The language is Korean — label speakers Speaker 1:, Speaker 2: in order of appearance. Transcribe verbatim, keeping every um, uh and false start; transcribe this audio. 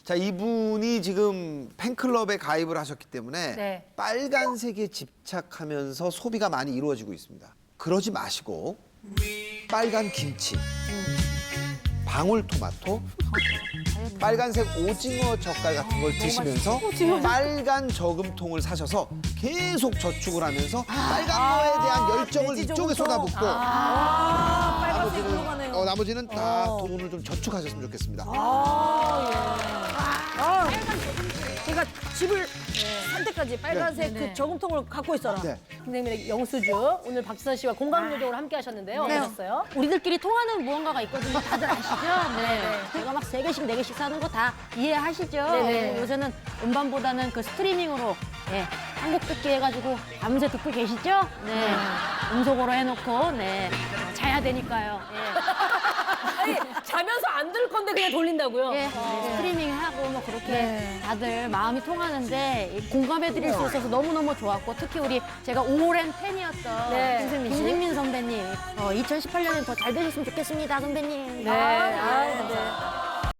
Speaker 1: 자, 이분이 지금 팬클럽에 가입을 하셨기 때문에
Speaker 2: 네.
Speaker 1: 빨간색에 집착하면서 소비가 많이 이루어지고 있습니다. 그러지 마시고 빨간 김치, 방울토마토, 빨간색 오징어 젓갈 같은 걸 드시면서 빨간 저금통을 사셔서 계속 저축을 하면서 빨간 거에 대한 열정을
Speaker 3: 돼지
Speaker 1: 이쪽에
Speaker 3: 저금통.
Speaker 1: 쏟아붓고
Speaker 3: 아, 빨간색
Speaker 1: 나머지는,
Speaker 3: 올라가네요.
Speaker 1: 어, 나머지는 다 돈을 좀 저축하셨으면 좋겠습니다.
Speaker 3: 아, 제가 집을 산 때까지 빨간색 그 저금통을 갖고 있어라.
Speaker 1: 네.
Speaker 2: 김생민의 영수주 오늘 박지선 씨와 공감 요정으로 함께 하셨는데요.
Speaker 4: 네.
Speaker 2: 어떠셨어요?
Speaker 4: 우리들끼리 통하는 무언가가 있거든요. 다들 아시죠? 네. 제가 막 세 개씩, 네 개씩 사는 거 다 이해하시죠?
Speaker 2: 네네.
Speaker 4: 요새는 음반보다는 그 스트리밍으로 네. 한곡 듣기 해가지고 밤새 듣고 계시죠? 네. 음속으로 해놓고 네. 자야 되니까요.
Speaker 2: 아니, 자면서 안 들을 건데 그냥 돌린다고요?
Speaker 4: 예. 예. 스트리밍 하고 뭐 그렇게 다들 마음이 통하는데 공감해드릴 수 있어서 너무너무 좋았고 특히 우리 제가 오랜 팬이었던
Speaker 2: 네.
Speaker 4: 김생민, 김생민 선배님 어, 이천십팔 년엔 더 잘 되셨으면 좋겠습니다, 선배님.
Speaker 2: 네. 아, 네.